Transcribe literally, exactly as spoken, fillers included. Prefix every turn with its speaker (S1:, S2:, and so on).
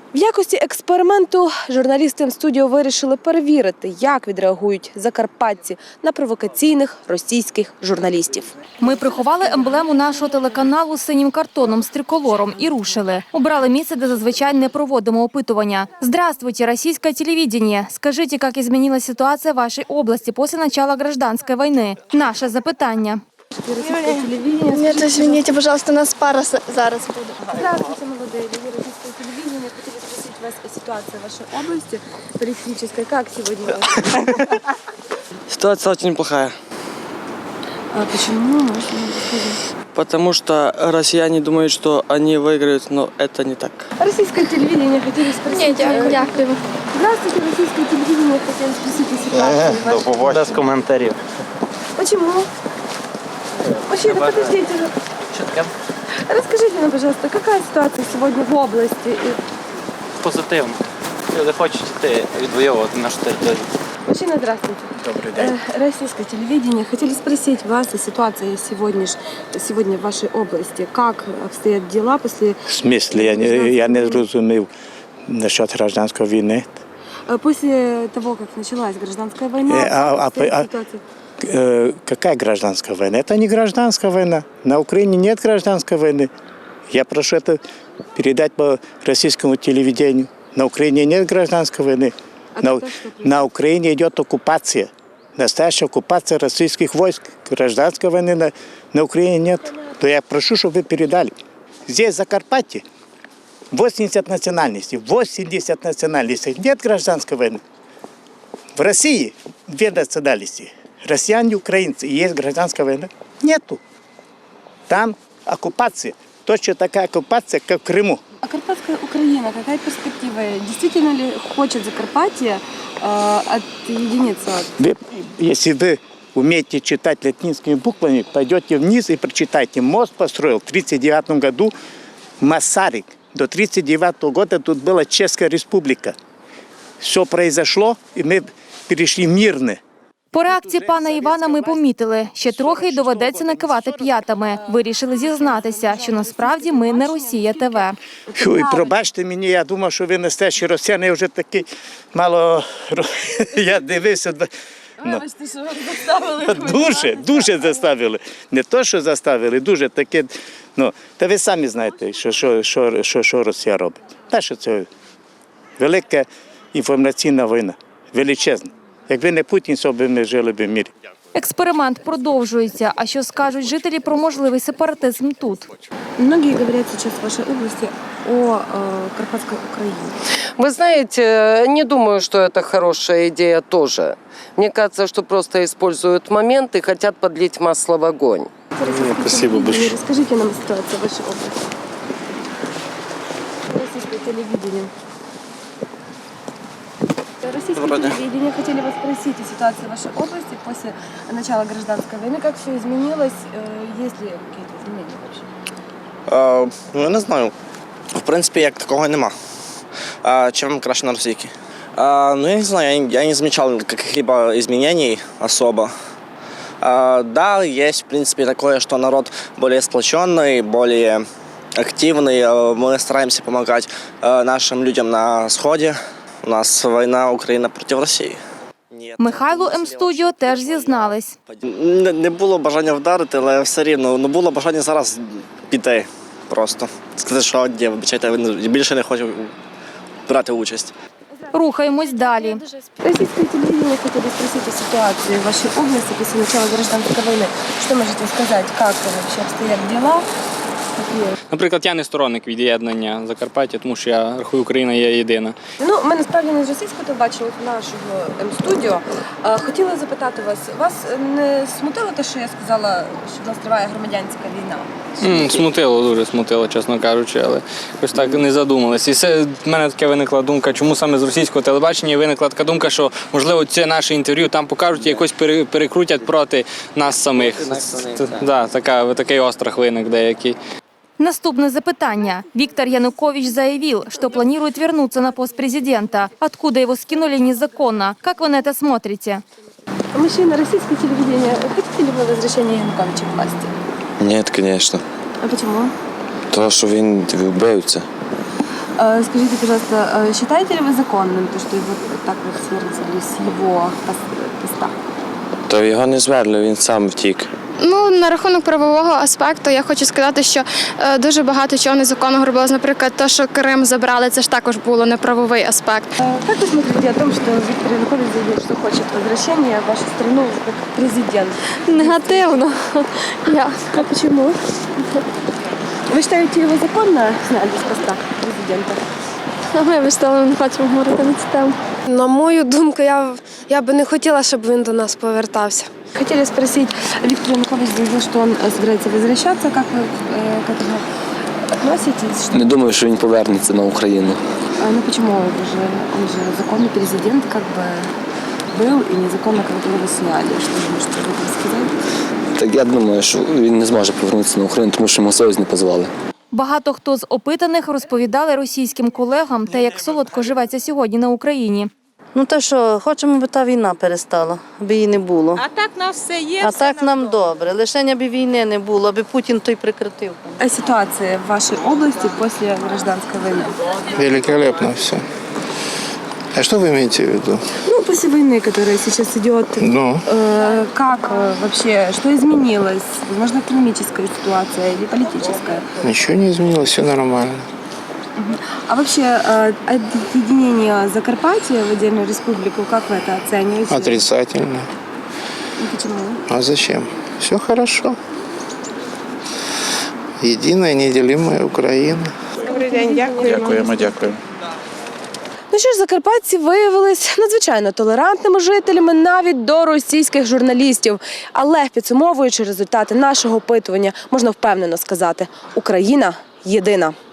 S1: В якості експерименту журналісти М-студіо вирішили перевірити, як відреагують закарпатці на провокаційних російських журналістів.
S2: Ми приховали емблему нашого телеканалу синім картоном з триколором і рушили. Обрали місце, де зазвичай не проводимо опитування. Здравствуйте, российское телевидение. Скажите, как изменилась ситуация в вашей области после начала гражданской войны? Наше запитання.
S3: Нет, извините, пожалуйста, у нас пара с- зараз буде.
S1: Здравствуйте, молодые люди российского телевидения. Хотели спросить вас о ситуации в вашей области политической. Как сегодня?
S4: Ситуация очень плохая,
S1: А почему? Можно рассказать?
S4: потому что россияне думают, что они выиграют, но это не так.
S1: Российское телевидение хотели спросить.
S3: Ні, дякую. дякую.
S1: Здравствуйте, российское телевидение. Хотели спросить о ситуации в вашей.
S5: Без коментарів.
S1: Почему? Мужчина, подождите. Расскажите нам, пожалуйста, какая ситуация сегодня в области? И-
S5: Позитивно. Люди хочуть йти відвоювати нашу територію.
S1: Мужчина, здравствуйте.
S5: Добрий день.
S1: Э, Российское телевидение. Хотели спросить вас о ситуации сегодня, сегодня в вашей области. Как обстоят дела после,
S6: В смислі, я не, я не зрозумів насчет гражданської війни.
S1: э, после того, как началась гражданская война?
S6: Э, а-
S1: как
S6: а-
S1: обстоит
S6: а-
S1: ситуация?
S6: Э, какая гражданская война? Это не гражданская война. На Украине нет гражданской войны. Я прошу это передать по российскому телевидению. На Украине нет гражданской войны.
S1: А
S6: На,
S1: тогда что происходит?
S6: на Украине идет оккупация. Настоящая оккупация российских войск. Гражданской войны на, на Украине нет. То я прошу, чтобы вы передали. Здесь, в Закарпатье, восемьдесят национальностей. восемьдесят национальностей. Нет гражданской войны. В России две национальности. Россияне и украинцы. И есть гражданская война? Нету. Там оккупация. Точно такая оккупация, как в Крыму.
S1: А Карпатская Украина, какая перспектива? Действительно ли хочет Закарпатье э, отъединиться от...
S6: Вы, если вы умеете читать латинскими буквами, пойдете вниз и прочитайте. Мост построил в тридцать девятом году Масарик. До тридцать девятого года тут была Чешская республика. Все произошло, и мы перешли мирно.
S2: По реакції пана Івана ми помітили, ще трохи й доведеться накивати п'ятами. Вирішили зізнатися, що насправді ми не Росія ТВ.
S6: Ой, пробачте мені, я думав, що ви настоящі росіяни, я вже такий мало, я дивився. Ну, дуже, дуже заставили. Не то, що заставили, дуже таке, ну, та ви самі знаєте, що, що, що, що, що Росія робить. Та, що це велика інформаційна війна, величезна. Якби не Путін, то б ми жили б в мирі.
S2: Експеримент продовжується. А що скажуть жителі про можливий сепаратизм тут?
S1: Многие говорят сейчас в вашей области о э, Карпатской Украине.
S7: Вы знаете, не думаю, что это хорошая идея тоже. Мне кажется, что просто используют момент и хотят подлить масло в огонь.
S1: Спасибо большое. Расскажите нам ситуацию в вашей области. Российское телевидение. Российское
S4: Вроде.
S1: телевидение. Хотели вас спросить о ситуации в вашей области после начала гражданской войны. Как все изменилось? Э, Есть ли какие-то изменения вообще?
S8: Е, ну, я не знаю. В принципі, як такого нема. Е, чем краще на російській? Е, ну, я не знаю, я, не- я не замечал каких-либо изменений особо. Е, да, есть, в принципе, такое, что народ более сплоченный, более активный. Е, Мы стараемся помогать е, нашим людям на Сходе. У нас війна Україна проти Росії. Ні,
S2: Михайло М-студіо теж зізнались.
S8: Не, не було бажання вдарити, але все рівно. Ну, було бажання зараз піти просто. Сказати, що ні, вибачайте, я більше не хочу брати участь.
S2: Рухаємось далі.
S1: Российское телевидение хотели спросить о ситуации в вашей области после начала гражданской войны. Что можете сказать? Как вообще обстоят дела? Какие?
S9: Наприклад, я не сторонник від'єднання Закарпаття, тому що я рахую, Україна є єдина.
S1: Ну, ми насправді не з російського телебачення, з нашого М-студіо. Е, Хотіла запитати вас, вас не смутило те, що я сказала, що в нас триває громадянська війна?
S9: М, Смутило, дуже смутило, чесно кажучи, але якось так не задумалась. І це в мене таке виникла думка, чому саме з російського телебачення виникла така думка, що, можливо, це наше інтерв'ю там покажуть і якось пере- перекрутять проти нас самих. Да, така, такий острах виник деякий.
S2: Наступное запытание. Виктор Янукович заявил, что планирует вернуться на пост президента. Откуда его скинули незаконно? Как вы на это смотрите?
S1: Мужчина, российское телевидение, хотите ли вы возвращения Януковича к власти?
S10: Ні, звісно.
S1: А почему?
S10: Тому що він вбивця.
S1: Э, Скажите, пожалуйста, э, считаете ли вы законным то, что его так вот свергли с его пос- поста?
S10: То його не зверли, він сам втік.
S3: Ну, на рахунок правового аспекту я хочу сказати, що е, дуже багато чого незаконного робилось. Наприклад, те, що Крим забрали, це ж також було неправовий аспект.
S1: Э, Как вы смотрите о том, что Виктор Янукович заявил, что хочет возвращения в вашу страну как президент?
S3: Негативно. Я.
S1: А почему? Вы считаете его законно сняли с поста президента?
S3: Ми вистали, не хочемо говорити на цю тему.
S11: На мою думку, я, я би не хотіла, щоб він до нас повертався.
S1: Хотели спросить, Виктор Янукович заявил, что он э, собирается возвращаться. Как вы э, к этому относитесь? Что-
S10: Не думаю, що він повернеться на Україну.
S1: А, ну почему? Он же, он же законный президент как бы был и незаконно как бы его сняли. Что вы можете об этом сказать?
S10: Так я думаю, що він не зможе повернутися на Україну, тому що йому союз не позвали.
S2: Багато хто з опитаних розповідали російським колегам те, як солодко живеться сьогодні на Україні.
S12: Ну те, що хочемо, аби та війна перестала, аби її не було.
S11: А так нас все є.
S12: А так нам добре. Лише аби війни не було, аби Путін той прекратив.
S1: А ситуация в вашей области после гражданской войны?
S13: Великолепно все. А что вы имеете в виду?
S1: Ну, после войны, которая сейчас идет,
S13: Ну,
S1: э, как э, вообще, что изменилось? Возможно, экономическая ситуация или политическая?
S13: ничего не изменилось, все нормально.
S1: А вообще, э, объединение Закарпатья в отдельную республику, как вы это оцениваете?
S13: Отрицательно.
S1: Ну, почему?
S13: А зачем? Все хорошо. Единая, неделимая Украина.
S11: Добрий день, дякую.
S5: Дякуємо, дякуємо.
S1: Ну що ж, закарпатці виявились надзвичайно толерантними жителями навіть до російських журналістів. Але підсумовуючи результати нашого опитування, можна впевнено сказати – Україна єдина.